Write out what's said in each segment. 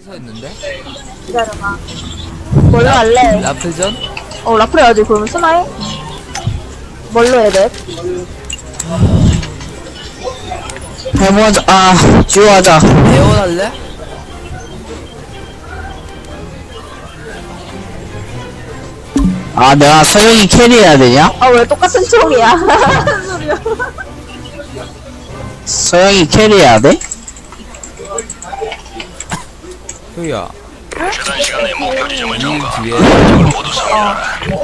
서 있는데? 기다려봐. 뭘로 할래? 라플전? 라플 해야지. 그러면 스나이? 뭘로 해야 돼? 해보자. 듀오하자. 에어 할래? 내가 서영이 캐리해야 되냐? 왜 똑같은 총이야? 무슨 소리야? 서영이 캐리해야 돼? 효야 최단 시간에 목표 지점을 이 점거. 뒤에 모두 사용하라.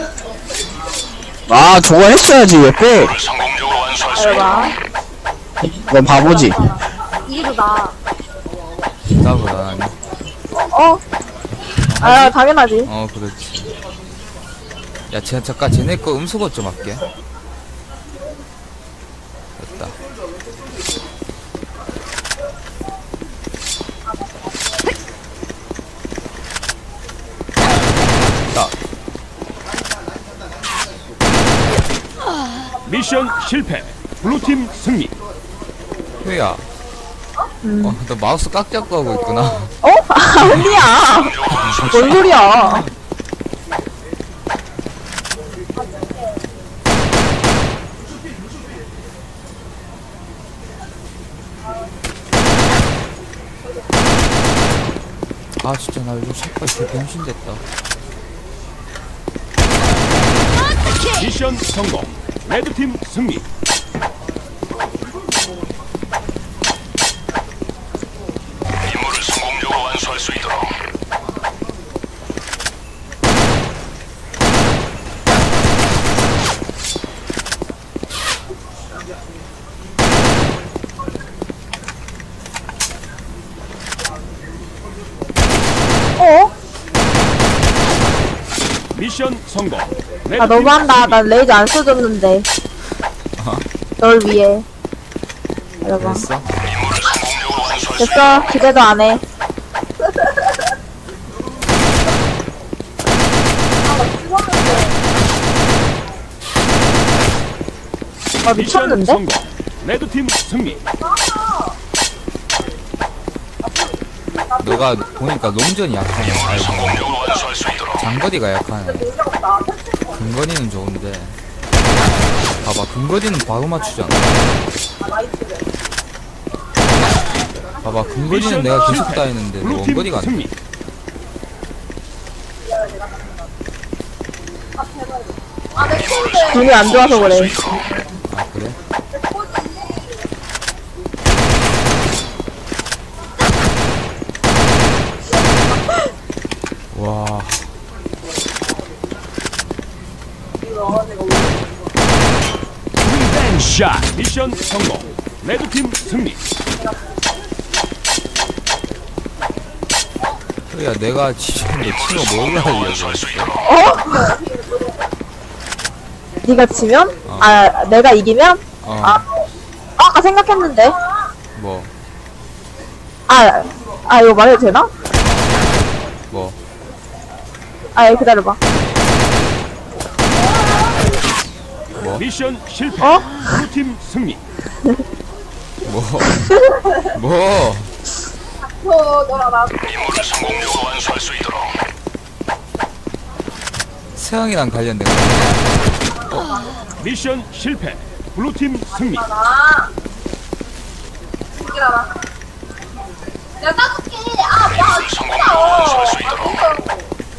저거 했어야지, 왜 빼? 성공적으로 완수할 수 있도록. 봐봐. 너 바보지? 이게 더 나아. 나보다 나니 당연하지. 그렇지. 야 잠깐 쟤네 거 음소거 좀 할게. 됐다. 자 미션 실패. 블루팀 승리. 효야 너 마우스 깍 잡고 하고 있구나. 아니야. 뭔 소리야. 진짜 나 요즘 샷발 개 병신됐다. 미션 성공. 레드팀 승리. 임무를 성공적으로 완수할 수 있도록. 미션 성공. 너무한다. 난 레이저 안 써줬는데. 널 위해. 여러분. 됐어? 임무를 성공적으로 완수할 수 됐어. 기대도 안 해. 미션 미쳤는데? 성공. 레드팀 승리. 너가 보니까 롱전이 약하네. 아이고, 성공적으로 완수할 수 있도록. 장거리가 약하네. 근거리는 좋은데. 봐봐, 근거리는 바로 맞추잖아. 봐봐, 근거리는 내가 계속 따이는데 너 블루팀 원거리가 안 돼. 승리. 눈이 안 좋아서 그래. 그래? 와. 샷. 미션 성공. 레드팀 승리. 야, 내가 지쳤는데 친구 뭘로 하려고. 완수할 수 있도록. 네가 지면? 내가 이기면? 아까 생각했는데. 뭐, 이거 말해도 되나? 뭐. 기다려봐. 미션 실패. 어? 블루팀 승리. 뭐. 임무를 성공적으로 완수할 수 있도록. 세상이랑 관련된 거. 미션 실패. 블루팀 승리. 임무를 성공적으로 완수할 수 있도록.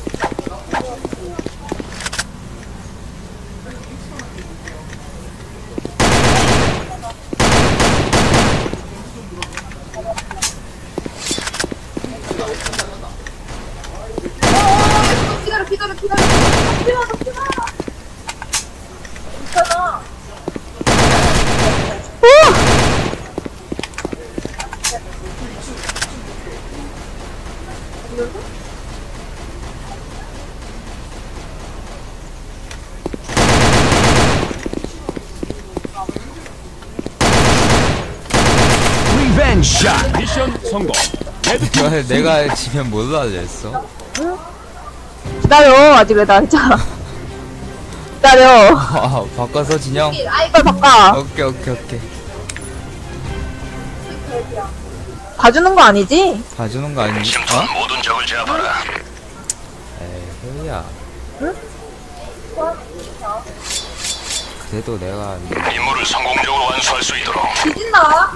샷. 미션 성공. 레드팀 승리. 내가 지면 뭘로 하려 했어? 기다려. 아직 왜 나 했잖아. 기다려. 바꿔서 진영? 이걸 바꿔. 오케이. 봐주는 거 아니지? 봐주는 거 아니니? 침투한 어? 모든 적을 제압하라. 에이 효야. 그래도 내가 임무를 성공적으로 완수할 수 있도록 뒤진다.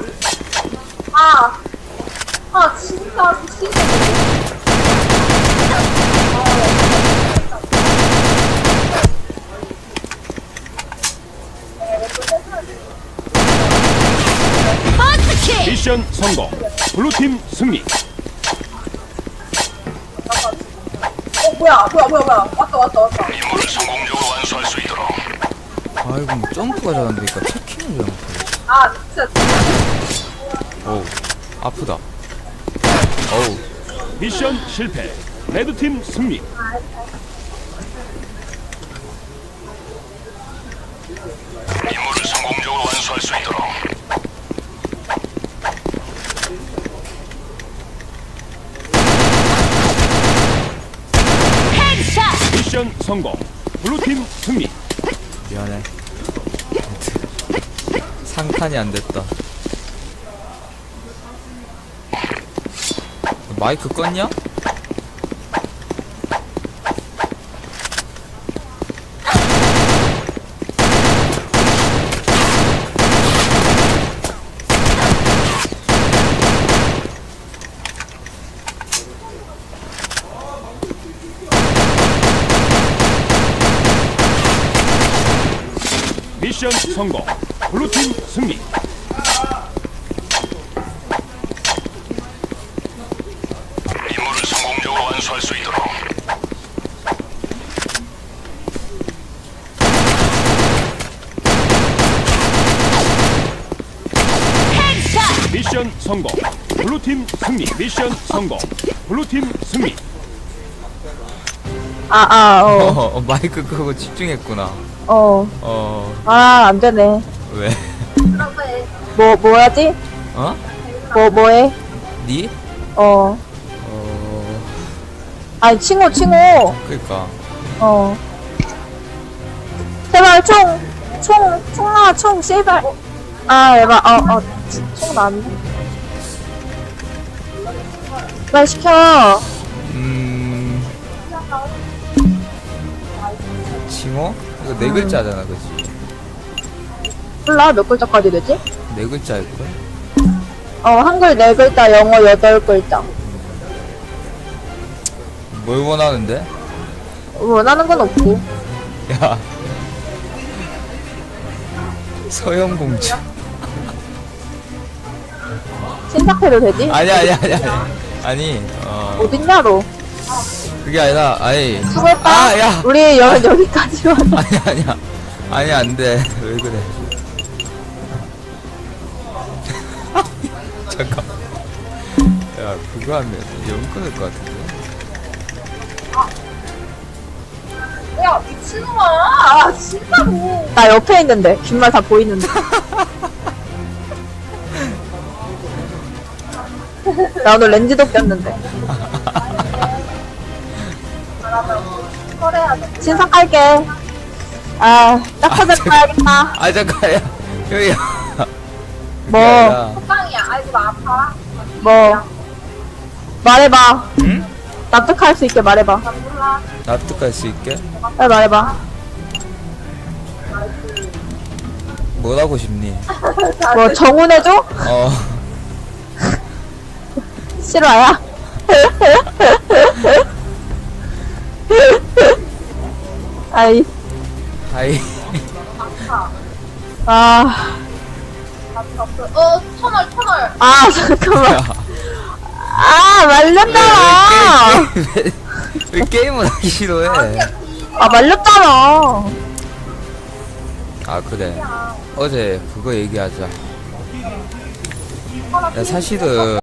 진짜 미치겠네. 미션 성공. 블루팀 승리. 뭐야. 왔다. 임무를 성공적으로 완수할 수 있도록 아이고 뭐 점프가 잘안되니까 체킹을 잘 못하겠어. 진짜. 어우 아프다. 어우 미션 실패. 레드팀 승리. 임무를 성공적으로 완수할 수 있도록 미션 성공. 블루팀 승리. 미안해. 상탄이 안 됐다. 마이크 껐냐? 미션 성공. 블루팀 승리. 임무를 성공적으로 완수할 수 있도록 미션 성공. 블루팀 승리. 미션 성공. 블루팀 승리. 마이크 끄고 집중했구나. 안 되네. 왜? 뭐하지? 어? 뭐해? 니? 아니, 칭호. 그니까. 제발, 총 나와, 제발. 에바, 총 나왔네. 빨리 시켜. 칭호? 이거 네 글자잖아, 그치? 몰라, 몇 글자까지 되지? 네 글자일걸? 한글 4글자, 영어 8글자. 뭘 원하는데? 원하는 건 없고. 야. 서영공주. 신탁해도 되지? 아니. 아니, 어딨냐로. 그게 아니라, 아니. 수고했다. 야! 우리 여기까지만. 아니야. 아니, 안 돼. 왜 그래. 잠깐. 야, 그거 하면 영 끊을 것 같은데. 야, 미친놈아. 진짜로. 나 옆에 있는데. 귓말 다 보이는데. 나 오늘 렌즈도 꼈는데. 신상할게. 딱 하자 가야겠다. 아, 잠깐, 야. 여기야. 뭐? 뭐? 말해봐. 응? 납득할 수 있게 말해봐. 납득할 수 있게? 빨리 말해봐. 뭘 하고 싶니? 뭐 정훈해줘? 실화야? 아이. 하이. 잠깐만. 야. 말렸잖아. 왜 게임을 하기 싫어해? 말렸잖아. 아, 그래. 어제 그거 얘기하자. 야, 사실은